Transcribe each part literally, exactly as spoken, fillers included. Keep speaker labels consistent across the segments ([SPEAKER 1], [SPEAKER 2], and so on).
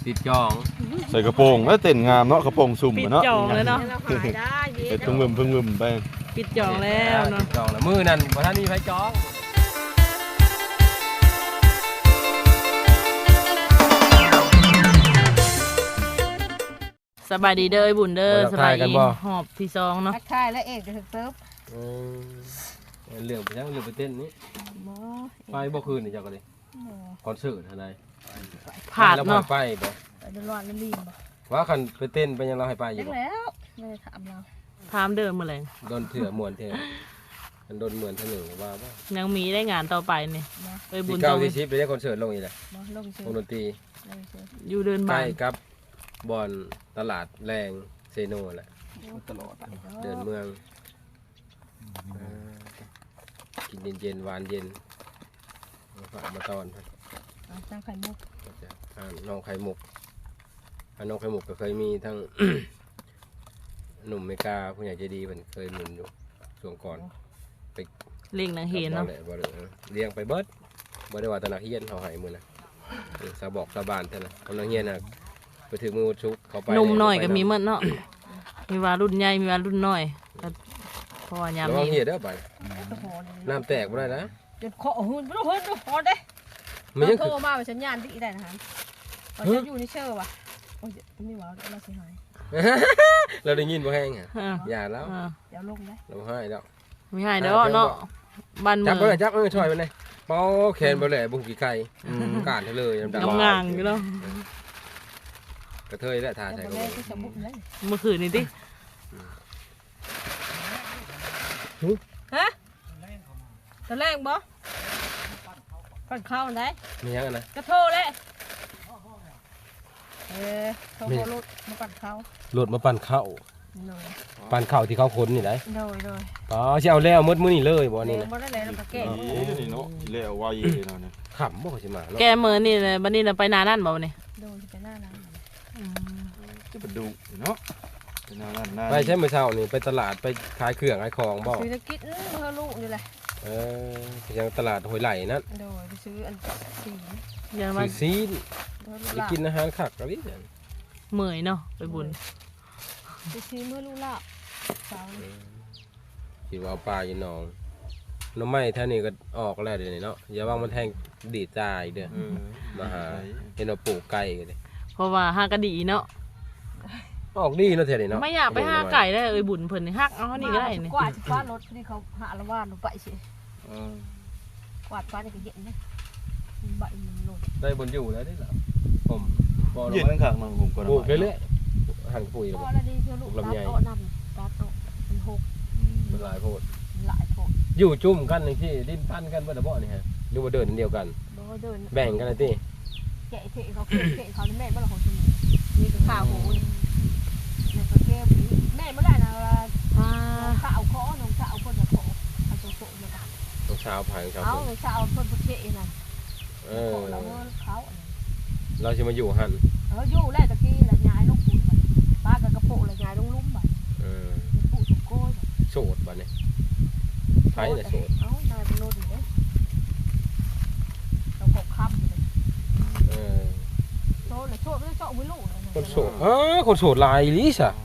[SPEAKER 1] ติดจอง
[SPEAKER 2] ใส่กระโปรงแล้วเต้นงามเนาะกระโปรงสุ่ม
[SPEAKER 3] ปิด
[SPEAKER 2] เนาะ
[SPEAKER 3] จองเลยเนาะ
[SPEAKER 2] เฮ็ดพึ่งมึมพึ่งมึมไป
[SPEAKER 3] ปิดจองแล้วเนาะ
[SPEAKER 1] ติดจองแล้วมือนั่นบ่ทันมีไผจอง
[SPEAKER 3] สบายดีเด้อบุญเด้อสบายดีหอบที่ซองเนาะ
[SPEAKER 4] ทักทายแล้วเอกจะถึงเติบ
[SPEAKER 1] เออเรื่องไปยังเรื่องไปเต้นนี้ไปบ่คืนนี่เจ้าก็ดิคอนเสิร์ตอะไร
[SPEAKER 3] ผ่านเนาะ
[SPEAKER 1] ไปบ่
[SPEAKER 4] ไปเดินรอดแล้วรีบบ่
[SPEAKER 1] ว่าคันไปเต้นไปยังเราให้ไปอ
[SPEAKER 4] เล็
[SPEAKER 1] ยู่
[SPEAKER 4] ก
[SPEAKER 1] บ่
[SPEAKER 4] แล้วไม่ได้ถามเรา
[SPEAKER 3] ถามเดิมมาเลย
[SPEAKER 1] โดนเถื่อมวนเถื่อมันโดนมวนเถื่อหนึ่งว่าบ่
[SPEAKER 3] ยังมีได้งานต่อไปนี่ไปบุ
[SPEAKER 1] ที่
[SPEAKER 3] ญ
[SPEAKER 1] เก้า
[SPEAKER 3] ต้อง
[SPEAKER 1] ที่สิบไปได้คอนเสิร์ตลงอีกแหละ
[SPEAKER 4] บ่ลงเชื
[SPEAKER 1] วงดนตรี
[SPEAKER 4] ลงเชือ
[SPEAKER 3] อยู่เดิน
[SPEAKER 1] ใก
[SPEAKER 3] บ้า
[SPEAKER 1] ล้
[SPEAKER 3] น
[SPEAKER 1] กับบอนตลาดแรงเซโนแหละตลอดเดินเมืองเออกินเย็นๆหวานเย็นมาฝากมาตอนครับ
[SPEAKER 4] ตั้งไข่มุก
[SPEAKER 1] อ่าน้องไข่มุกอ่าน้องไข่มุกก็เคยมีทั้ง หนุ่มเมกาผู้ใหญ่ใจดีมันเคยหนุนอยู่ช่วงก่อนไป
[SPEAKER 3] เล่งนางเห็นเนาะ
[SPEAKER 1] บ่ได้บ่ได้เลี้ยงไปเบิดบ่ได้ว่าแตนักเฮียนเขาให้มือนะเออสาบอกสาบานเท่านั้นกำลังเฮียนน่ะไปถึงมือชุกเขาไป
[SPEAKER 3] นมหน่อยก็มีหมันเนาะมีว่ารุ่นใหญ่มีว่ารุ่นน้อยก็เพราะว่ายาม
[SPEAKER 1] ระวัง
[SPEAKER 3] นี้
[SPEAKER 1] เฮียเด้อไป
[SPEAKER 4] โอ้โห
[SPEAKER 1] น้ำแตกบ่ได้นะ
[SPEAKER 4] จนคอหุ่นบ่หุ่นบ่ฮอดเด้
[SPEAKER 1] มันยัง
[SPEAKER 4] โท
[SPEAKER 1] คื
[SPEAKER 4] ร
[SPEAKER 1] อ
[SPEAKER 4] มาเป็นสัญญาณที่ได้นะฮะว่าจะอยู่ในเชื่อว่ะโอ้ยไม่ว่าเราสิหาย
[SPEAKER 1] เราได้ยินบ่แห้งอ่ะ
[SPEAKER 3] อ่า
[SPEAKER 1] อย่าแล้ว
[SPEAKER 3] อ่า
[SPEAKER 4] เดี๋ยวลงได้
[SPEAKER 1] เราให้แล้ว
[SPEAKER 3] ไม่ให้เด้อเนาะบ้านเมื
[SPEAKER 1] จับ
[SPEAKER 3] อง
[SPEAKER 1] บ่ได้จับเออช่วยมันเลยเป่าแขนบ่แหล่บุ้งกี่ไข่การให้เลยดำ
[SPEAKER 3] งางๆอยู่เนาะ
[SPEAKER 1] กระเทยและทา
[SPEAKER 4] แต่
[SPEAKER 1] ใส่
[SPEAKER 4] บ่
[SPEAKER 1] กระ
[SPEAKER 4] ได้
[SPEAKER 1] บอก
[SPEAKER 4] ที่จะบุกเลย
[SPEAKER 3] เมื่อคืนนี้ติ
[SPEAKER 4] ฮะตะแรงบ่ปั่นข้าวได้
[SPEAKER 1] มียังนะ
[SPEAKER 4] กระโทรเลยเออโทรรถมาปั่นข้าว
[SPEAKER 1] รถมาปั่นข้าว
[SPEAKER 4] โดย
[SPEAKER 1] ปั่นข้าวที่เขาคนนี่ได้
[SPEAKER 4] โดยโดย
[SPEAKER 1] อ๋อสิเอาแล้วหมดมื้อนี้เลยบ่นี่นะ
[SPEAKER 4] บ่ได้เลยแล้วก็แก่
[SPEAKER 2] นี่เนาะแล้วไวเนาะเนี่ย
[SPEAKER 1] ขำบ่สิมาเนาะ
[SPEAKER 3] แกเมื่อนี่เลยบัดนี้เราไปนานั่นบ่เนี่ย
[SPEAKER 4] โดนไปหน้านั้น
[SPEAKER 2] จะไปดูเนาะเป็นนั่นนั่น
[SPEAKER 1] ไปใช่มื้อเช้านี่ไปตลาดไปขายเครื่องขายของบ่
[SPEAKER 4] ซื้อตะกิดเออเพื่อลูกนี่แหละ
[SPEAKER 1] เออไปยังตลาดห้วยไหลนั่น
[SPEAKER 4] โดยไปซื้ออันสี
[SPEAKER 3] ยังมา
[SPEAKER 1] ซื้อซีน
[SPEAKER 4] เพื่อลู
[SPEAKER 1] ไป
[SPEAKER 4] กหลาน
[SPEAKER 1] กินอาหารคักกะลิ
[SPEAKER 3] เมื่อยเนาะไปบุญ
[SPEAKER 4] ไปซื้อเมื่อลูกหลานสาวนี่
[SPEAKER 1] คิดว่าเอาปลาอยู่หนองหน้ำไม้แท่นี้ก็ออกแล้วเดี๋ยวนี้เนาะอย่าว่ามันแทงดีดตายเด้อมาหาเห็นเอาปลูกไก่กันเลย
[SPEAKER 3] เพราะว่าห้ากระดีเนาะ
[SPEAKER 1] ออกดีเนาะเท่านี้เนาะ
[SPEAKER 3] ไม่อยากไปห้าไก่ได้เอ้ยบุญเพิ่นนี่ฮักเอานี่ก็ได้นี่
[SPEAKER 4] กวาดฟ้ารถที่เขาหาละว่านลงไปสิกวาดฟ้านี่ก็เย็นนะใบมันลง
[SPEAKER 1] ได้บนอยู่แล้วได้หรอผมบอล
[SPEAKER 2] ยืนข้างๆน้องผมก็
[SPEAKER 1] ปลูกเรื่อยๆหั่นปุ๋ย
[SPEAKER 4] พอแล้วดีเพื่อลูกหลานโตนำตาโตมันหก
[SPEAKER 1] มันหลายโพด
[SPEAKER 4] หลายโต
[SPEAKER 1] อยู่จุ่มกันอย่างที่ดิ้นปั้นกันบ่ได้บ่นี่ฮะหรือว่าเดินอันเดียวกัน
[SPEAKER 4] บ่เดิน
[SPEAKER 1] แบ่งกันเลยติ
[SPEAKER 4] แกะเทเขาแกะเขาแม่บ่ละของตัวนี้นี่ก็ข้าวหมูนี่นี่ก็แก้วนี้แม่บ่ได้นะ
[SPEAKER 3] อ่า
[SPEAKER 4] ข้าวขอน้องสาวคนละขอเอาตัวโตเลยค่ะ
[SPEAKER 1] ต้องเช้าผ่านเช้า
[SPEAKER 4] เอา
[SPEAKER 1] คน
[SPEAKER 4] สาวคนประเทศน่ะ
[SPEAKER 1] เอ
[SPEAKER 4] ข
[SPEAKER 1] อ
[SPEAKER 4] อเราเขา
[SPEAKER 1] เราจะมาอยู่หั่น
[SPEAKER 4] เอออยู่แล้วตะกี้ละยายลูกปุ๋ยป้ากับกระโปงละยายลงลุ่มบ่
[SPEAKER 1] เออ
[SPEAKER 4] ปุ๋ยสุโก้ย
[SPEAKER 1] โสดบัดนี้ไผน่ะโสด
[SPEAKER 4] เอานายเป็นโลดอยู่เด้เรากบค่ำเลย
[SPEAKER 1] เออ
[SPEAKER 4] โซดเลยโซดไม่ได้โซดไม่รู้
[SPEAKER 1] คนโสดอ๋อคนโสดหลายอีหลีซะ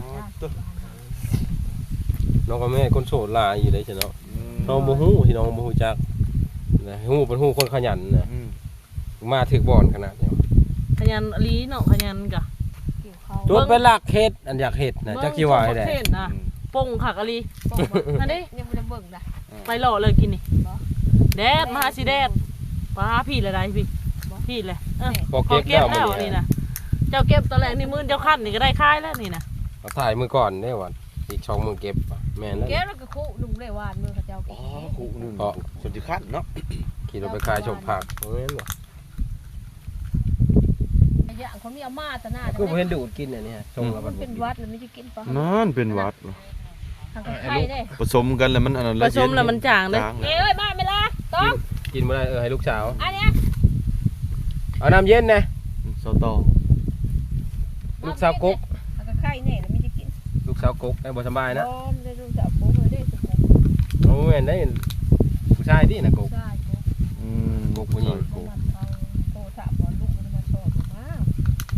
[SPEAKER 1] น้องกับแม่คนโสดหลายอยู่ได้จ้ะเนาะน้องบ่ฮู้ที่น้องบ่ฮู้จักนะฮู้เป็นฮู้คนขยันน่ะมาถึกบ่อนขนาดนี้
[SPEAKER 3] ขยันอลีเนาะขยันกะ
[SPEAKER 4] เกี่ยวเขา
[SPEAKER 1] จดไปหลักเฮ็ดอันอยากเฮ็ดนะจักสิว่าได้
[SPEAKER 3] เบิ่งนะปงขักอลีอันนี้
[SPEAKER 4] ยังไม่ได้เบิ่งนะ
[SPEAKER 3] ไปหล่อเลยกินนี่แดดมาหาสิแดดปลาพี่ละได้พี่พี่เลยเออ
[SPEAKER 1] พอ
[SPEAKER 3] พอ
[SPEAKER 1] เก็บ
[SPEAKER 3] เก็บ
[SPEAKER 1] แล้ว
[SPEAKER 3] แล้ว
[SPEAKER 1] มื้อ
[SPEAKER 3] นี่
[SPEAKER 1] นี้
[SPEAKER 3] นะเจ้าเก็บตอนแรกนี่มื้อเจ้าขั้นนี่ก็ได้ค่ายแล้วนี่นะ
[SPEAKER 1] เอาถ่ายมือก่อนเด้ว่าอีกสองมือเก็บแม่นแล้ว
[SPEAKER 4] แก้แล้วก็คู่ลุงได้วานมือเขาเจ้า
[SPEAKER 2] อ๋อคู่นึงส่วนที่ขั้นเนาะ
[SPEAKER 1] ขี่รถไปขายชมผักแม่นบ่
[SPEAKER 4] อย่างคนมีอามาตะหน้า
[SPEAKER 1] คือบ่เห็นดูดกินอันนี้ส่งแล้ว
[SPEAKER 4] มั
[SPEAKER 1] มัน น
[SPEAKER 4] เป็นวัดแล้วไม่ได้กินปะ
[SPEAKER 2] นั่นเป็นวัด
[SPEAKER 4] ทางไข่ได้
[SPEAKER 2] ผสมกันแล้วมันอันนั้น
[SPEAKER 3] ผสมแล้วมันจางเลย
[SPEAKER 4] เอ้ยมาเวลาต้อง
[SPEAKER 1] กินบ่ได้เออให้ลูกสาว
[SPEAKER 4] อันเนี้ย
[SPEAKER 1] เอาน้ำเย็นนะ
[SPEAKER 2] เสาตอง
[SPEAKER 1] ลูกสาวกก
[SPEAKER 4] ทางไข่เนี่ยแล้วไม่ได้กิน
[SPEAKER 1] ลูกสาวกกได้บ่สบายนะ
[SPEAKER 4] อ๋อไม่ได้ลูกสาวโป๊เลยได้สุด
[SPEAKER 1] โอ้ยได้ผู้ชายที่น่ะกก
[SPEAKER 4] ใช่โป๊
[SPEAKER 2] อืม
[SPEAKER 1] กกผู้หญิง
[SPEAKER 4] เขามาเขาโตถามว่าลูกมันมาชอบมา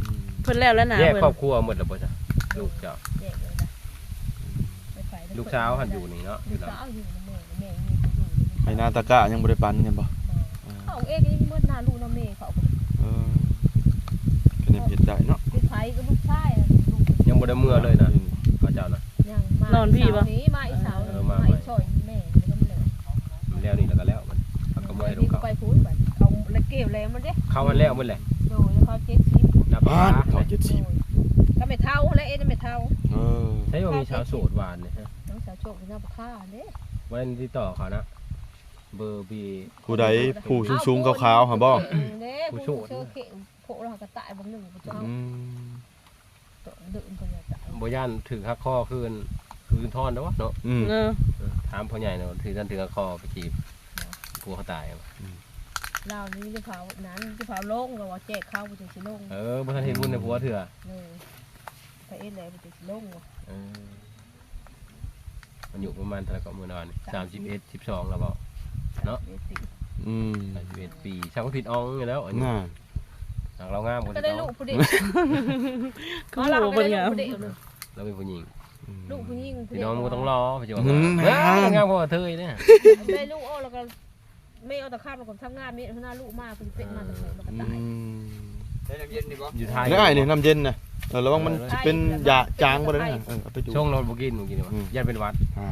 [SPEAKER 3] เพิ่นแล้วแล้วนะ
[SPEAKER 1] แยก
[SPEAKER 3] เพิ่น
[SPEAKER 1] ครอบครัวหมดแล้วบ่จ้ะลูกเจ้า
[SPEAKER 4] แยกเลยนะไปไป
[SPEAKER 1] ลูกสาวหันอยู่นี่เนาะอ
[SPEAKER 4] ลู
[SPEAKER 1] ยู่
[SPEAKER 4] ก
[SPEAKER 1] เนาะ
[SPEAKER 4] สาวอยู่ในแม่แม่มีคนอยู่
[SPEAKER 2] ไอ้นาตะกะยังบ่ได้ปันกันบ่
[SPEAKER 4] เขาเองยังเมื่อหน้าลูกน้าแม่เขา
[SPEAKER 2] เออก็เนี่ยเฮ็ดได้เนาะ
[SPEAKER 4] เป็นไผก็ลูกชายลูก
[SPEAKER 1] ยังบ่ได้เมื่อเลยนะเขาเจ้านะ
[SPEAKER 4] ยังมานี้มาอีสาวมาอีช่อยแม่ก็ไม่เลย
[SPEAKER 1] มันแล้วนี่แล้วก็แล้วมันเขาก็เมื่อให้ลู
[SPEAKER 4] นี่
[SPEAKER 1] ก
[SPEAKER 4] ก็
[SPEAKER 1] เขา
[SPEAKER 4] ไปพูดแบบเขาแล้วเก็บแล้วมันเด้
[SPEAKER 1] เขามันแล้วหมดแหละ
[SPEAKER 4] โดยแล้วเขาเจ็ดชิป
[SPEAKER 1] นับ
[SPEAKER 2] บ้าน
[SPEAKER 1] ปลา
[SPEAKER 2] เขาเจ็ดสิบ
[SPEAKER 4] ก็ไม่เท่าแล้วเอ๊ะไม่เท่า
[SPEAKER 2] เออ
[SPEAKER 1] ใช่ว่ามีชาวโสดหวานเนี่ยฮะ
[SPEAKER 4] น้องสาวโชคเป็นน้าค่าเด้
[SPEAKER 1] วันที่ต่อเขานะเบอร์บี
[SPEAKER 2] ผู้ใดผู้สูงๆขาวๆหั่นบ่
[SPEAKER 4] เด้ผู้โชคเชื่อเข่งโผล่เราก็ตายบางหนึ่งผู้เจ้า
[SPEAKER 2] อืม
[SPEAKER 4] ตัวดื่มคนละตาย
[SPEAKER 1] บ่ย่านถือหักคอคืนคืนทอนแล้ววะเนาะ
[SPEAKER 2] อืม
[SPEAKER 3] เออ
[SPEAKER 1] เออถามพ่อใหญ่เนาะถือท่านถือหักคอไปจีบกลัวเขาตายอะ
[SPEAKER 4] เรานี่จะเผานั้นจะเผาลงเราว่าแจกข้าวไปจะสิลง
[SPEAKER 1] เออบ่ทันเห็นบุญในผัวเถื่อ
[SPEAKER 4] เลยไปเอ็ดเลยไปจะสิลงว่ะ
[SPEAKER 1] เออมันอยู่ประมาณเท่าไหร่ก็มื้อนอนสามสิบเอ็ด สิบสองแล้วบ่ เนาะ
[SPEAKER 2] อืม
[SPEAKER 1] สามสิบเอ็ดปีช่างก็ผิดอ่องอยู่แล้วอันนี้
[SPEAKER 2] น่า
[SPEAKER 1] หากเรางามกว่า
[SPEAKER 4] ก็
[SPEAKER 1] ที่
[SPEAKER 4] ได้
[SPEAKER 1] เรา
[SPEAKER 4] ลูกผู้เด็ก
[SPEAKER 3] คือโหเพิ่นงาม
[SPEAKER 1] เราเป็นผู้หญิง
[SPEAKER 4] ลูกผู้หญิง
[SPEAKER 1] พี่น้องมันก็ต้องรอพี่จวบ
[SPEAKER 2] อืม
[SPEAKER 1] เฮ้ยงามกว่าเธอเนี่ย
[SPEAKER 4] ได้ลูกอ้อแล้วก็ไม่เอาตะข้ามมาก่อนทำงานมีหน้าลูกมากเป็นเป็นมาตะโกนแล้วก็
[SPEAKER 2] อื
[SPEAKER 4] ตาย
[SPEAKER 2] ม
[SPEAKER 1] อยู่ไทย
[SPEAKER 2] ได้นี่น้ำเย็นน่ะเออระวังมันสิเป็นยาจางบ่ได้นะเออเอาไปดู
[SPEAKER 1] ช่วงเราบ่กินบ่กินวะ
[SPEAKER 2] อืม
[SPEAKER 1] ยันเป็นหวัด
[SPEAKER 2] อ่า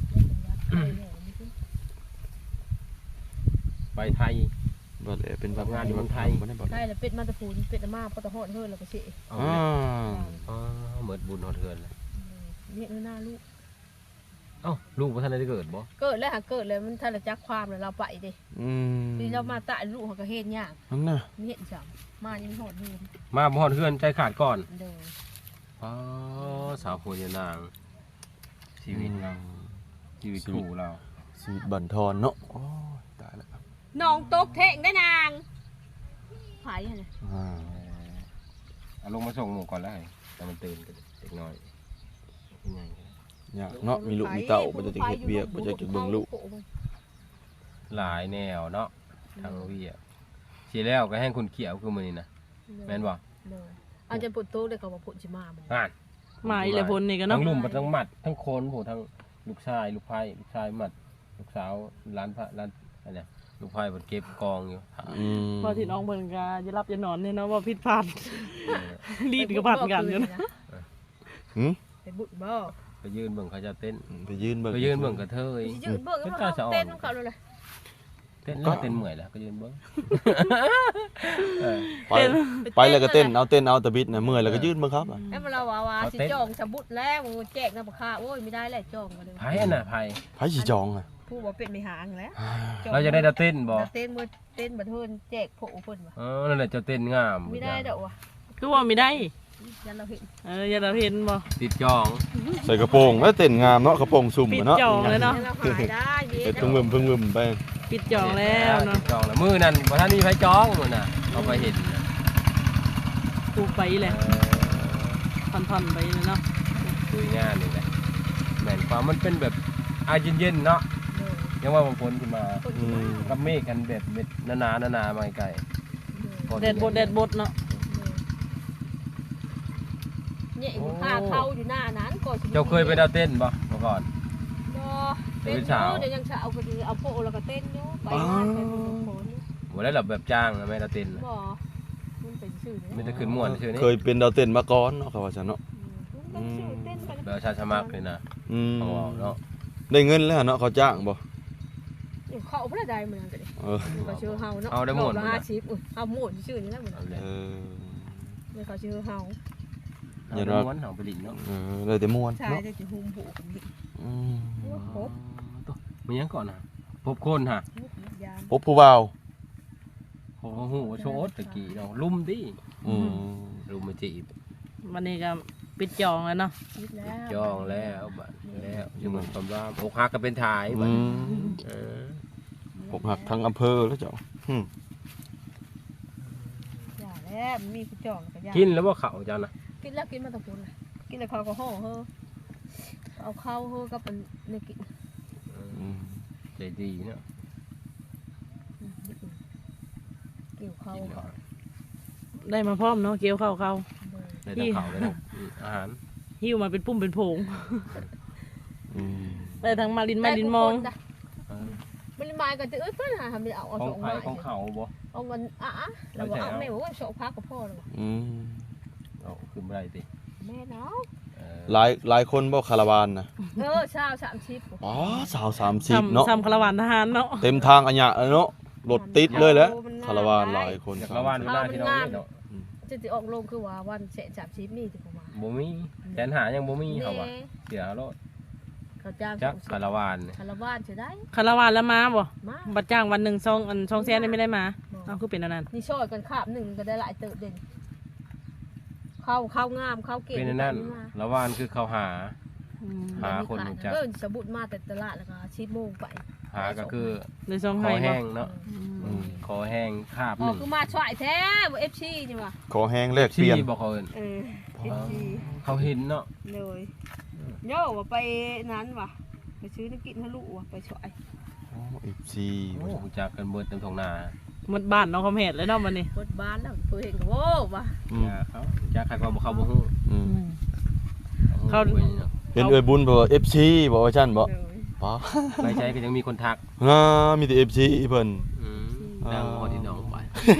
[SPEAKER 1] ไปไทย
[SPEAKER 2] บ่ได้เป็นแบบ
[SPEAKER 1] ทำงานอยู่เมืองไทย
[SPEAKER 2] บ่ได้บ่
[SPEAKER 4] ได้แล้วเป็ดมาตะพูนเป็ดมาปตะหอดเฮือแล้วก็เสะ
[SPEAKER 1] เอา
[SPEAKER 2] อ่า
[SPEAKER 1] อ๋อเหมือนบุญหอดเทือนเลย
[SPEAKER 4] เนี่ยหน้าลูก
[SPEAKER 1] เอ้าลูกพ่ท่านได้เกิดบ่
[SPEAKER 4] เกิดแล้วหาเกิดเลยมันทันละจักความเลยเราไปดิ
[SPEAKER 2] อืม
[SPEAKER 4] นี่เรามาตายลูกเขาก็เฮ็ดยาก
[SPEAKER 2] นั่นน่ะ
[SPEAKER 4] มีเฮ็ดจังมานี่มันหอดนี่
[SPEAKER 1] มาบ่หอดเทือนใจขาดก่อน
[SPEAKER 4] เด้อ
[SPEAKER 1] อ๋อสาวโพยานาง ชีวิตเราชีวิตคู่เรา
[SPEAKER 2] ชีวิตบั่นทอนเนาะโอ้ยตายแล้ว
[SPEAKER 4] น้องตกเทงได้นางไผหั่นน่ะ
[SPEAKER 2] อ่า
[SPEAKER 1] เอาลงมาส่งหมูก่อนแล้วไงแต่มันตื่นกันเด็กน้อยเป็นไง
[SPEAKER 2] ยากเนาะมีลูกมีเต้าบ่จะเฮ็ดเวียกบ่จะเบิ่งลูก
[SPEAKER 1] หลายแนวเนาะทางเวียสีแล้วก็ให้คุณเขียวคือมือนี่นะแม่นบ่
[SPEAKER 4] เด้ออันจะปวดโตเลยเขาว่าพุ่นสิมาบ่
[SPEAKER 1] อ่าน
[SPEAKER 3] หมาอีหละพลนี่ก็
[SPEAKER 1] ทั้
[SPEAKER 3] เนาะ
[SPEAKER 1] งลุ่มทั้งหมัดทั้งโคนผู้ทั้งลูกชายลูกไผ่ลูกชายหมัดลูกสาวร้านพระร้านอะไรเนี่ยลูกไผ่บนเก็บกองอยู่
[SPEAKER 2] อืม
[SPEAKER 3] พอที่น้องเพิ่นก็จะรับจะนอนเนี่ยเนาะว่าผิดพลาดรีดกับพัดกันอยู่นะ
[SPEAKER 2] หึ
[SPEAKER 4] ไปบุญบ่
[SPEAKER 1] ไปยืนเบิ่งเขาจะเต้น
[SPEAKER 2] ไปยืนเบิ่ง
[SPEAKER 1] ไปยืนเบิ่งกระเทย
[SPEAKER 4] สิยืนเบิ่งเขาเต้นของเขาเลย
[SPEAKER 1] เต้นแล้วเต้นเมื่อยแล้วก็ยืนเบิ่งเออ
[SPEAKER 2] ไปไปแล้วก็เต้นเอาเต้นเอาแต่บิดน่ะเมื่อยแล้วก็ยืนเบิ่งครับอ่ะ
[SPEAKER 4] ไอ้เราว่าว่าสิจองจะบุดแล้วแจกน้ำค่าโอ้ยไม่ได้แล้วจองมาเลย
[SPEAKER 1] ไผ่อันน่ะไผ่
[SPEAKER 2] ไผสิจองอ่ะ
[SPEAKER 4] ผู้บ่เป็นไม่หางแล้ว
[SPEAKER 1] เราจะได้ดาเต้นบ่
[SPEAKER 4] เต้นมือเต้นบัดเทินแจกโผล่เพิ่นว่ะ
[SPEAKER 1] เออนั่นแหละจะเต้นงาม
[SPEAKER 4] ไม่ได้ดอกว่ะ
[SPEAKER 3] คือว่าไม่ได้
[SPEAKER 4] ยันเราเห็น
[SPEAKER 3] เอออย่าเราเห็นบ่
[SPEAKER 1] ติดจอง
[SPEAKER 2] ใส่กระโปรงแล้วเต้นงามเนาะกระโปรงสุ่ม
[SPEAKER 3] ปิด
[SPEAKER 2] อะเนาะ
[SPEAKER 3] จองเลยเนาะ
[SPEAKER 4] ยันเราหายได้เย็
[SPEAKER 2] เฮ็ด
[SPEAKER 4] น
[SPEAKER 2] พึ่งวึมพึ่งวึมไป
[SPEAKER 3] ปิดจองแล้วเนาะ
[SPEAKER 1] ติดจองแล้วมือนั่นบ่ทันมีไผจองมื้อน่ะเอาไปเห็นน่ะ
[SPEAKER 3] ปลูกไปเลย
[SPEAKER 1] เออ
[SPEAKER 3] พันๆไปเลยเนาะ
[SPEAKER 1] คุยงานนี่แหละแม่นความมันเป็นแบบอายเย็นๆเนาะยังว่าบางคนขึ้นมา
[SPEAKER 2] อืม
[SPEAKER 1] กับเมฆกันแบบเม็ดหนาๆหนาๆมาไกลๆ
[SPEAKER 3] แดดบดแดดบดเนาะ
[SPEAKER 4] เนี่ยผ้าเข้าอยู่หน้านั้นก่อน
[SPEAKER 1] เจ้าเคยไปดาวเต้นบ่เมื่อก่อน
[SPEAKER 4] เต้นอยู่เดี๋ยวยังจะเอาไปเอาโผล่แล้วก็เต้นอยู่ไปงานไปบุญโผล่
[SPEAKER 1] บ่ได้หลับแบบจ้างนะแม่ดาวเต้นน่ะ
[SPEAKER 4] บ่มันเป็นชื่อ
[SPEAKER 1] ไมแต่ได้ขึ้นม่วนชื่อนี้
[SPEAKER 2] เคยเป็นดาวเต้นมาก่อนเนาะเขาว่าซั่นเนาะ
[SPEAKER 4] เป็นชื่อเต้นไป
[SPEAKER 1] แบบชาติสมัครเลยนะ
[SPEAKER 2] อืม
[SPEAKER 1] เอาเอาเนาะ
[SPEAKER 2] ได้เงินแล้วเนาะเขาจ้างบ่
[SPEAKER 4] เขาพระใดเหมือนกันดิ
[SPEAKER 2] เออ
[SPEAKER 4] เขาชื่อเฮาเนาะ
[SPEAKER 1] เอาได้หมด
[SPEAKER 4] ละห้าสิบเอาหมดชื่อนี้แล้วเหมือน
[SPEAKER 1] เอาเลย
[SPEAKER 2] เออ
[SPEAKER 4] เนี่ยเขาชื่อเฮา
[SPEAKER 1] เอาได้ม้วนเอาไปลินเนาะ
[SPEAKER 2] เออได้แต่ม่วน
[SPEAKER 4] ใช่
[SPEAKER 2] เนาะ
[SPEAKER 4] ได้จะหุ่มผูกกันดิ
[SPEAKER 2] อืม
[SPEAKER 4] พบ
[SPEAKER 1] ตัวมันยังก่อนนะพบคนฮะ
[SPEAKER 4] ยาม
[SPEAKER 2] พบผู้บ่าว
[SPEAKER 1] โอ้โหโชว์ตะกี้เนาะลุ่มดิ
[SPEAKER 2] อืม
[SPEAKER 1] ลุ่มมาจีบ
[SPEAKER 3] วันนี้ก็ปิดจองแล้วเนาะ
[SPEAKER 4] คิดแล้ว
[SPEAKER 1] จองแล้วบัดแล้วอยู่เหมือนความว่าอกหักก็เป็นถ่ายบั
[SPEAKER 2] อื
[SPEAKER 1] ด
[SPEAKER 2] ม
[SPEAKER 1] เออ
[SPEAKER 2] ผมหักทั้งอำเภอแล้วเจ้าอืม
[SPEAKER 4] อย่าแล้วมีผู้จองก็ยา
[SPEAKER 1] กินแล้วว่าเขาเจ้านะ
[SPEAKER 4] กินแล้วกินมาตะพุนกินแล้วเขาก็ห่อเฮอเอาเข้าเฮอกับเป็นเนี่ยกิน
[SPEAKER 2] อืม
[SPEAKER 1] ใจดีเนาะ
[SPEAKER 4] เกี่ยวเข้า
[SPEAKER 1] กินแล้ว
[SPEAKER 3] ได้มาพร้อมเนาะเกี่ยวเข้าเข้า
[SPEAKER 4] เลย
[SPEAKER 1] ได้ทั้งเขาได้ทั้งอาหาร
[SPEAKER 3] หิวมาเป็นปุ่มเป็นโผง
[SPEAKER 2] อืม
[SPEAKER 3] ได้ทั้งมาลินมาลินมอง
[SPEAKER 4] มันมาก็จะเอ้ยเพิ่นหาทำเอาเอา
[SPEAKER 1] ขอ
[SPEAKER 4] ส
[SPEAKER 1] ง
[SPEAKER 4] อง
[SPEAKER 1] ไผ่
[SPEAKER 4] ไม้
[SPEAKER 1] ของเขาบ่
[SPEAKER 4] เอาเงินอ่ะๆแล้วก็เอาแม่บอกว่าโชคพักกับพ่อเลย
[SPEAKER 2] อืม
[SPEAKER 1] เอาขึ้นบ่ได้ติ
[SPEAKER 4] แม่เนาะ
[SPEAKER 1] เออ
[SPEAKER 2] หลายหลายคนบ่คาราวานนะ
[SPEAKER 4] เออเช้าสามชิป
[SPEAKER 2] อ๋อสาวสามสิบเนาะ
[SPEAKER 3] ซ้ำคาราวานทหารเนาะ
[SPEAKER 2] เต็มทางอัญญะเลยเนาะรถติดเลยแหล้วคาราวานหลายคน
[SPEAKER 1] จากละวันเวลาที่เราเล่นเนาะ
[SPEAKER 4] จะจะออกลงคือว่าวันเสะสามชิปมีถึงประมาณ
[SPEAKER 1] บ่มีแสนหายังบ่มีเขาว่าเสียรถ
[SPEAKER 4] เขาจ้าง
[SPEAKER 1] จักคาราวานเนี่ย
[SPEAKER 4] คาราวานจะได้
[SPEAKER 3] คาราวานแล้วมาบ่
[SPEAKER 4] มา
[SPEAKER 3] บัดจ้างวันหนึ่งซองอันซองแสนได้ไม่ได้มาเอาคือเป็นอันนั้น
[SPEAKER 4] นี่ช่อยกันคาบหนึ่งก็ได้หลายเติบเด่นเข้าเข้างามเข้าเก่ง
[SPEAKER 1] เป็นอันนั่นละวานคือเขาหา
[SPEAKER 3] อืม
[SPEAKER 1] หาคนรู้จัก
[SPEAKER 4] เออสบุดมาแต่ตลาดแล้วก็ชิปโมงไป
[SPEAKER 1] หาก็คือ
[SPEAKER 3] เลยซอง
[SPEAKER 1] ค
[SPEAKER 3] ให้
[SPEAKER 1] อ
[SPEAKER 3] บ่
[SPEAKER 1] แห้งเนาะ
[SPEAKER 3] อืม
[SPEAKER 1] คอแห้งคาบ
[SPEAKER 4] อ๋
[SPEAKER 1] ห
[SPEAKER 4] อ
[SPEAKER 1] นึ่ง
[SPEAKER 4] คือมาช่วยแท้บ่เอฟซีนี่ว่ะ
[SPEAKER 2] ขอแห้งแลกเปลี่ยน
[SPEAKER 1] ที่บอกเขาเอิ้น
[SPEAKER 4] เออเอฟซี
[SPEAKER 1] เขาเห็นเนาะ
[SPEAKER 4] เลยโย่ว่าไปนั้นว่ะไปซื้อน้ำกินทะลุว่ะไปช่วย
[SPEAKER 2] อ๋อ เอฟ ซี
[SPEAKER 1] โอ้รู้จักกันเบิดเต็มท้องนา
[SPEAKER 3] หมดบ้านน้องคำเหตุเลยเนาะวันนี้
[SPEAKER 4] เปิดบ้านแล้วเพื่อเห็นก็โว้ว่ะ
[SPEAKER 2] อืม
[SPEAKER 1] อย่าเขาจักใครก็บ่เขาบ่ฮู้
[SPEAKER 2] อืม
[SPEAKER 3] เขา
[SPEAKER 1] ฮู้ไว้เนาะ
[SPEAKER 2] เห็นเอ่ยบุญบ่ เอฟ ซี บ่ว่าซั่นบ่
[SPEAKER 4] เลย
[SPEAKER 2] ป๋า
[SPEAKER 1] ไปใช้ก็ยังมีคนทัก
[SPEAKER 2] อ่ามีแต่ เอฟ ซี เพิ่น
[SPEAKER 1] อืมดังพอที่น้องไป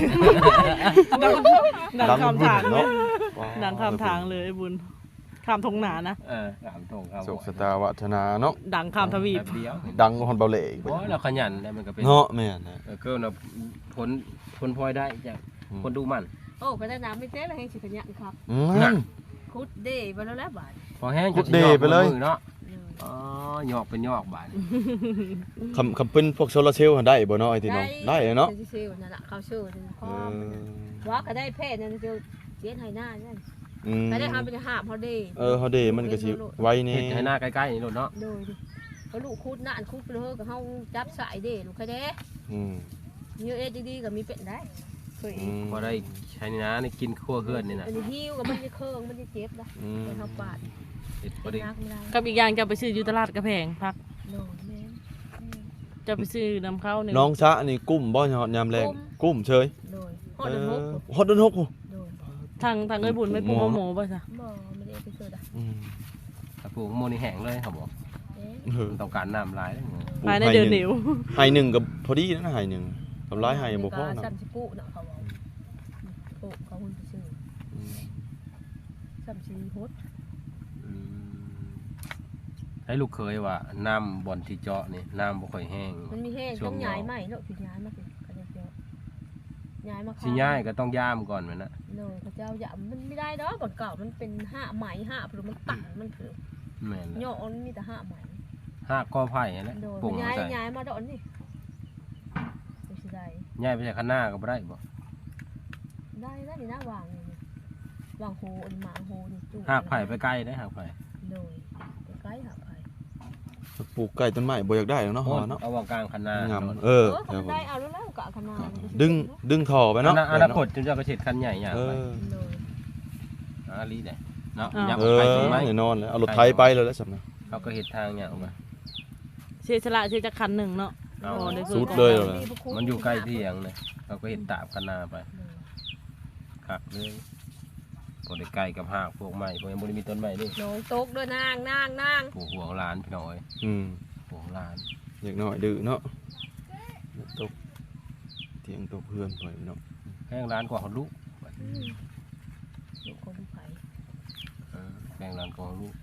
[SPEAKER 3] ดังคำทาง
[SPEAKER 2] เนาะ
[SPEAKER 3] ดังคำทางเลยไอ้บุญคำทงหนานะ
[SPEAKER 1] เออถามตรงครับ
[SPEAKER 2] โชคชะตาวัฒนาเนาะ
[SPEAKER 3] ดังคำทวีป
[SPEAKER 1] แป๊บเดียว
[SPEAKER 2] ดังกว่าฮอนเบาเหล่อีก
[SPEAKER 1] โอ้ยเราขยันได้มันก็เป็น
[SPEAKER 2] เนาะแม่นนะ
[SPEAKER 1] เออเกินน่ะผลผลพลอยได้จากคนดูมัน
[SPEAKER 4] โอ้ก็ได้น้ำไม่เต้เลยให้สิขยันครับ
[SPEAKER 2] อื
[SPEAKER 1] น่ะ
[SPEAKER 2] ม
[SPEAKER 4] คุดเดย์ไปแล้วแล้วบาท
[SPEAKER 1] พอแห้ง
[SPEAKER 2] กดเดย์ไปเลย
[SPEAKER 1] มือเนาะ
[SPEAKER 4] เลย
[SPEAKER 1] อ๋อหยอกเป็นหยอกบาด
[SPEAKER 2] คำคำเป็นพวกโซลาร์เซลล์ได้บ่เนาะไอ้ที่น้องได้เนาะ
[SPEAKER 4] ซื้อนั่นแหละเขาชื่อนั่นพ่อ
[SPEAKER 2] เออ
[SPEAKER 4] ว่าก็ได้เพศนั่นคือเจียนไฮหน้านั่น
[SPEAKER 2] อืม
[SPEAKER 4] ก็ได้ทำเป็นหาบเขาเดย์
[SPEAKER 2] เออเฮาเดมันก็สิไว้นี่
[SPEAKER 1] เห็ดให้หน้าใกล้ๆนี่โลดเนาะ
[SPEAKER 4] โดยเขาลูกคุดน่านคุดไปเลยกับเขาจับสายเดย์ลูกใครเด้
[SPEAKER 2] อืม
[SPEAKER 4] เยอะเอ็ดดีๆก็มีเป็นได้เคย
[SPEAKER 2] อืม
[SPEAKER 1] พอได้ใช้นี่นะนี่กินขั้วเฮือนนี่นะ
[SPEAKER 4] อันนี้หิวกับมันจะเคืองมันจะเจ็บนะ
[SPEAKER 2] อืม
[SPEAKER 4] ไปเขาปาด
[SPEAKER 1] เห็ดพอได้
[SPEAKER 4] นักไม่ได้
[SPEAKER 3] กับอีกอย่างจะไปซื้ออยูตลาดกระแพงพัก
[SPEAKER 4] โดนแม่
[SPEAKER 3] จะไปซื้อนำเข้าหนึ่ง
[SPEAKER 2] น้องซะนี่กุ้มบ่ยอดยามแรงกุ้มเฉย
[SPEAKER 4] โดยหอด
[SPEAKER 2] เอ
[SPEAKER 4] เดิน
[SPEAKER 2] อ
[SPEAKER 4] หก
[SPEAKER 2] ฮอดเดินหกโอ้
[SPEAKER 4] โดย
[SPEAKER 3] ทางทางเอ้ยบุญไม่ปรุงหมูป่ะจ๊ะ
[SPEAKER 4] บ่ไม่ได้ไปเจอดะ
[SPEAKER 2] อืม
[SPEAKER 1] ถ้าปลูกโมนี่แห้งเลยเขาบอก
[SPEAKER 4] เอ๊ะ
[SPEAKER 2] เออ
[SPEAKER 1] มันต้องการน้ำหลายเลย
[SPEAKER 3] ภายในเดือนเหนียว
[SPEAKER 2] ไห้หนึ่งกับพอดีนะไห้หนึ่งทำร้ายไห้บ่พอนะ
[SPEAKER 4] ซ้ำสิปุเนาะเขาบอกปุเขาหุ่นไปซื้อ
[SPEAKER 2] อืม
[SPEAKER 4] ซ้ำสิฮด
[SPEAKER 1] อืมให้ลูกเคยว่าน้ำบ่อนที่เจาะนี่น้ำบ่ค่อยแห้ง
[SPEAKER 4] มันมีแห้ง
[SPEAKER 1] ช่ว
[SPEAKER 4] ต้
[SPEAKER 1] ง
[SPEAKER 4] อง
[SPEAKER 1] หนาว
[SPEAKER 4] ย้ายใหม่เนาะคือย้ายมาสิก็จะเดียวย้ายมา
[SPEAKER 1] สิย่ายก็ต้องย่ามก่อนแม่นนะ
[SPEAKER 4] เนาะพระเจ้าอย่ามันไม่ได้ดอกก่อนเก่ามันเป็นห้าไหมห้าหรือมันตันมันคือ
[SPEAKER 1] แม่น
[SPEAKER 4] ย่
[SPEAKER 1] ละ
[SPEAKER 4] อมันมีแต่ห้าไหม
[SPEAKER 1] ห้ากอไผ่นั่นแหละ
[SPEAKER 4] โดย
[SPEAKER 1] ปลูก
[SPEAKER 4] มันย้าย
[SPEAKER 1] ใส่
[SPEAKER 4] ย้ายมาดอกนี่ดูสิได้
[SPEAKER 1] ย่ายไปใส่ข้างหน้าก็บ่ได้บ่
[SPEAKER 4] ได้ได้นี่นะวางนี่วางโฮอันหมางโฮนี่จู่
[SPEAKER 1] หากไผ่ไปใกล้ได้หากไผ่
[SPEAKER 4] โดยไปใกล้หากไผ่
[SPEAKER 2] ปลูกใกล้ต้นไม้บ่อยากได้หรอกเนาะฮอเนาะ
[SPEAKER 1] เอาวางกลางคันนาง
[SPEAKER 2] าม
[SPEAKER 1] โดน
[SPEAKER 2] เออ
[SPEAKER 4] เออ
[SPEAKER 2] ครับ
[SPEAKER 4] ทำ
[SPEAKER 2] ผม
[SPEAKER 4] ได้เอาแล้วแล้วกะขนาด
[SPEAKER 2] ดึงดึงท่อไป
[SPEAKER 1] อ
[SPEAKER 2] เนาะ
[SPEAKER 1] นาอนาคตจนจะกระเฉดคันใหญ่อย่าง
[SPEAKER 2] เอ
[SPEAKER 1] ไป
[SPEAKER 2] อ
[SPEAKER 4] โดย
[SPEAKER 1] อาลีได้เนาะ
[SPEAKER 3] อ้าว
[SPEAKER 1] ยับ
[SPEAKER 2] เอ
[SPEAKER 1] ไป
[SPEAKER 2] อ
[SPEAKER 1] ตรงไหม
[SPEAKER 2] แน่นอนเลยเอารถไถไปเลยแล้วสำนะ
[SPEAKER 1] เขาก็เห็ดทางอย่างออกมา
[SPEAKER 3] เสียสละเสียจากคันหนึ่งเนาะ
[SPEAKER 1] เอา
[SPEAKER 3] โอ้ได้
[SPEAKER 2] สุดเลยเหรอ
[SPEAKER 1] มันอยู่ใกล้ที่อย่างเลยเขาก็เห็ดตาบคันนาไปคักเลยพอได้ใกล้กับหากพวกไม้พวกยังบริมีต้นไม้นี่
[SPEAKER 4] โดยตกด้วยนางนางนาง
[SPEAKER 1] ปลูกหัวหลานพี่น้อย
[SPEAKER 2] อืม
[SPEAKER 1] ปลูกหลาน
[SPEAKER 2] อยากหน่อยดื้อเนาะตกเตียงตกเพื่อนไปเนาะ
[SPEAKER 1] แห้งร้านกว่าเขาลูก
[SPEAKER 4] ลูกคนไผ่
[SPEAKER 1] เออแพงร้านกว่าเขาลูก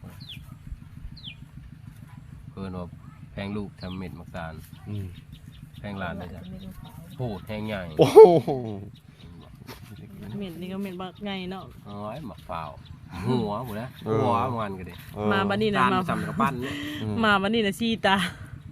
[SPEAKER 1] เพิ่นว่าแพงลูกทำเม็ดมักตาล
[SPEAKER 2] อืม
[SPEAKER 1] แพงร้านเลยจ้ะ
[SPEAKER 4] ไม่รู้เขา
[SPEAKER 1] โพดแห้งใหญ่
[SPEAKER 2] โอ้โห
[SPEAKER 3] เหม็นนี่ก็เหม็นบักไงเนาะ
[SPEAKER 1] เอ้ยหมักเปล่าหัวหมดแล้วหัวมันก็ดิ
[SPEAKER 2] เออ
[SPEAKER 3] มาบัดนี้นะ
[SPEAKER 1] ตาล
[SPEAKER 3] มา
[SPEAKER 1] สำกระปั้นเนี่ย
[SPEAKER 2] อืม
[SPEAKER 3] มาวันนี้นะซีตา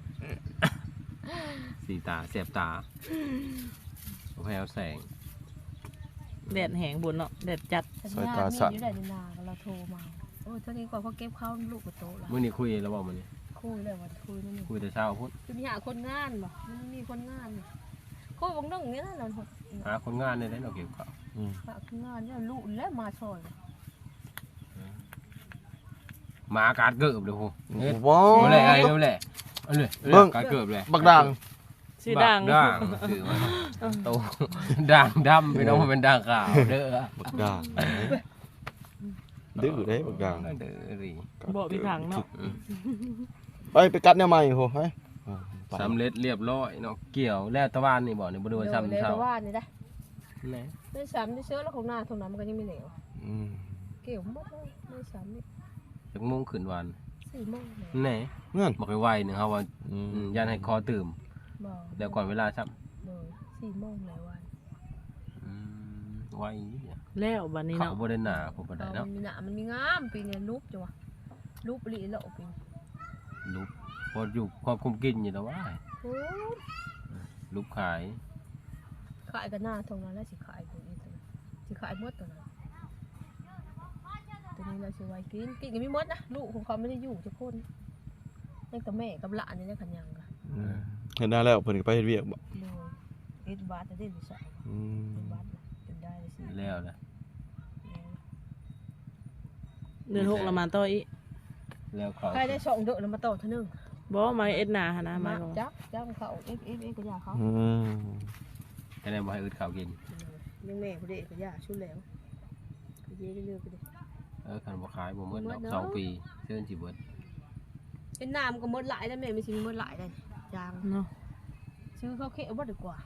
[SPEAKER 1] สีตาเสียบตาแววแสง
[SPEAKER 3] แดดแหงบุญเนาะแดดจัด
[SPEAKER 4] สัญญาณมีอยู่ได้ในนาเราโทรมาโอ้เท่านี้ก่อนเขาเก็บข้าวลูกกับโตแล้ว
[SPEAKER 1] เมื่อนี้คุยแล้วบอกมันนี่
[SPEAKER 4] คุยเลยวันคุยนั่นนี่
[SPEAKER 1] คุยแต่เช้าพุ่น
[SPEAKER 4] จะมีหาคนงานบ่มันมีคนงานนี่คุยบางเรื่องนี้นะเรา
[SPEAKER 1] หาคนงานในได้เราเก็บเขา
[SPEAKER 2] อืม
[SPEAKER 4] ฝากงานเนี่ยลูกแล้วมาช่วย
[SPEAKER 1] หมาการเกิบเลยโหเฮ็ด
[SPEAKER 2] ว้าว
[SPEAKER 1] เอาเลยไอ้เอาเลยเอาเลยเอาเลยการเกิบเลย
[SPEAKER 2] บักด่าง
[SPEAKER 3] ชื่อดัง
[SPEAKER 1] บักด่างชื่อมันโตด่างดำพี่น้องมันเป็นด่างขาวเด้อ
[SPEAKER 2] บักด่างดื้อได้บางอย่าง
[SPEAKER 1] เด้อรี
[SPEAKER 3] บ่มีทางเนาะ
[SPEAKER 2] ไปไปกัดแนวใหม่โหไปไป
[SPEAKER 1] สำเร็จเรียบร้อยเนาะเกี่ยวแล้วตะวันนี่บ่นี่บ่ได้ว่าซ้ำ
[SPEAKER 4] เลย
[SPEAKER 1] เช้า
[SPEAKER 4] แต่ว่านี่ได้
[SPEAKER 1] แหน่
[SPEAKER 4] ไม่ซ้ำที่เชื้อแล้วของหน้าตรงนั้นมันก็ยังไม่เหลว
[SPEAKER 2] อืม
[SPEAKER 4] เกี่ยวหมดเลยไม่ซ้ำนี่
[SPEAKER 1] จักโมงขึ้นวัน
[SPEAKER 4] สี่โมงเลย
[SPEAKER 1] แหน่
[SPEAKER 2] เงื่อน
[SPEAKER 1] บ่ค่อยไวนึงเฮาว่า
[SPEAKER 2] อืม
[SPEAKER 1] อืมย่านให้คอตื่ม
[SPEAKER 4] บอก
[SPEAKER 1] แล้วก่อนเวลาซ้ำ
[SPEAKER 4] เลยสี่โมงเลยวัน
[SPEAKER 1] อืมไวเนี่ย
[SPEAKER 3] แล้วบัดนี้
[SPEAKER 1] เขา
[SPEAKER 3] เนาะ
[SPEAKER 1] บ่ได้หนาผมบ่ได้
[SPEAKER 4] มั
[SPEAKER 1] เนาะ
[SPEAKER 4] นมีหนามันมีงามปีนี้รูปจังวะรูปลีโลปี
[SPEAKER 1] ลูกพออยู่พอคุมกินอยู่แล้วว่า
[SPEAKER 4] โอ้
[SPEAKER 1] ลูกขาย
[SPEAKER 4] ขายกันหน้าตรงนั้นแล้วสิขายตัวนี้ตัวนั้นสิขายหมดตัวนั้นตัวนี้เราสิไว้กินกินกันไม่หมดนะลูกของเขาไม่ได้อยู่ทุกคนนั่นกับแม่กับหลานนี่นะขันยังกัน
[SPEAKER 2] อืมเห็นได้แล้วเพิ่นก็ไปเฮ็ดเวียกบ่
[SPEAKER 4] เลยเอ็ดบาทจะได้หรือสอง
[SPEAKER 2] อืม
[SPEAKER 4] เอ็ดบาทเป็นได้เลยสิ
[SPEAKER 1] แล้วนะ
[SPEAKER 3] เดือนหกละมาต่ออีก
[SPEAKER 1] แล้วเขา
[SPEAKER 4] ใครได้สองเดือนแล้วมาต่อเท่านึง
[SPEAKER 3] บ่มาเอ็ดหน้าหั่นนะมา
[SPEAKER 4] มา
[SPEAKER 3] บ่
[SPEAKER 4] จับจับเขาเอ็ดเอ็ดเอ็ดก็ยาเขา
[SPEAKER 2] อืม
[SPEAKER 1] แค่นั้นบ่ให้อึดข้าวกิน
[SPEAKER 4] ยังแม่เขาเด็กก็ยาชุดแล้วก็เย่ก็เลือกไปเลย
[SPEAKER 1] เออคันบ่ขายบ่หมด
[SPEAKER 4] หม
[SPEAKER 1] ดอ
[SPEAKER 4] ด
[SPEAKER 1] ก
[SPEAKER 4] เนาะ
[SPEAKER 1] สองปีเชิญสิเบิด
[SPEAKER 4] เป็นน้ำก็หมดหลายแล้วแม่ไม่ชิมหมดหลายเลยยาง
[SPEAKER 3] เนาะ
[SPEAKER 4] ซื้อข้าวเค็มบ่ดีกว่า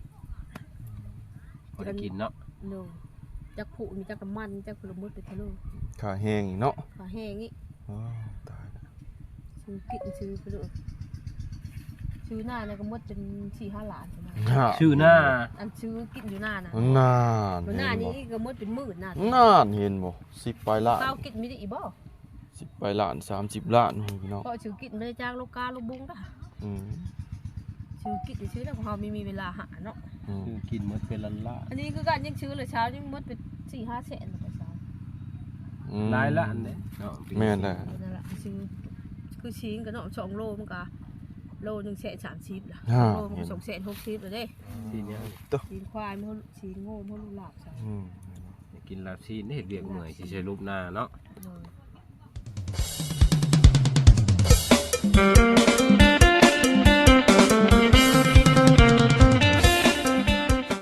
[SPEAKER 1] พอได้กินเนาะ
[SPEAKER 4] เนาะจักผูมีจักน้ำมันจักผลไม้เป็นทะลุ
[SPEAKER 2] ขาแห้งอีกเนาะ
[SPEAKER 4] ขาแห้งนี่
[SPEAKER 2] อ้าวตายแล้ว
[SPEAKER 4] ซื้อกินซื้อไปเลยซื้อหน้าเนี่ยก็หมดเป็นสี่ห้าล้านใช่ไหม
[SPEAKER 1] ชื่อหน้า
[SPEAKER 4] อันซื้อกินอยู่หน้านะ
[SPEAKER 2] นาน
[SPEAKER 4] หน้า
[SPEAKER 2] เห็น
[SPEAKER 4] นี้
[SPEAKER 2] บ่
[SPEAKER 4] ก็หมดเป็นหมื่นหน้าน
[SPEAKER 2] านเห็นบ่สิบปลายล้าน
[SPEAKER 4] ข้าวกินไม่ได้อีบ่
[SPEAKER 2] สิบปลายล้านสามสิบล้านพี่น้อง
[SPEAKER 4] ก็ซื้อกินไม่ได้จ้างลูกกาลูกบุ้งนะ
[SPEAKER 2] อืม
[SPEAKER 4] ซื้อกินซื้อแล้วของเราไม่มีเวลาหาเนาะ
[SPEAKER 2] อืม
[SPEAKER 1] คือกินหมดเป็นล้านล้าน
[SPEAKER 4] อันนี้คือการยังซื้อเลยเช้านี่หมดเป็นสี่ห้าแสนเลยเช้า
[SPEAKER 2] อืม
[SPEAKER 1] หลายล้านเด้เนาะ
[SPEAKER 2] แม่นแหละ
[SPEAKER 4] นั่นแหละซื้อคือชิ้นกับเนาะสองโลมันก็โลหนึ่งแสนสามสิบละ
[SPEAKER 2] อ่า
[SPEAKER 4] โลมันก็สองแสนหกสิบเลยเด้
[SPEAKER 1] ทีเนี้ย
[SPEAKER 4] ชิ้นควายมันชิ้นโง่มันลูกหลาบใช่
[SPEAKER 2] อืม
[SPEAKER 1] กินลาบซีนเฮ็ดเวียกเมื่อยสิใช้รูปหน้าเนาะ
[SPEAKER 4] เลย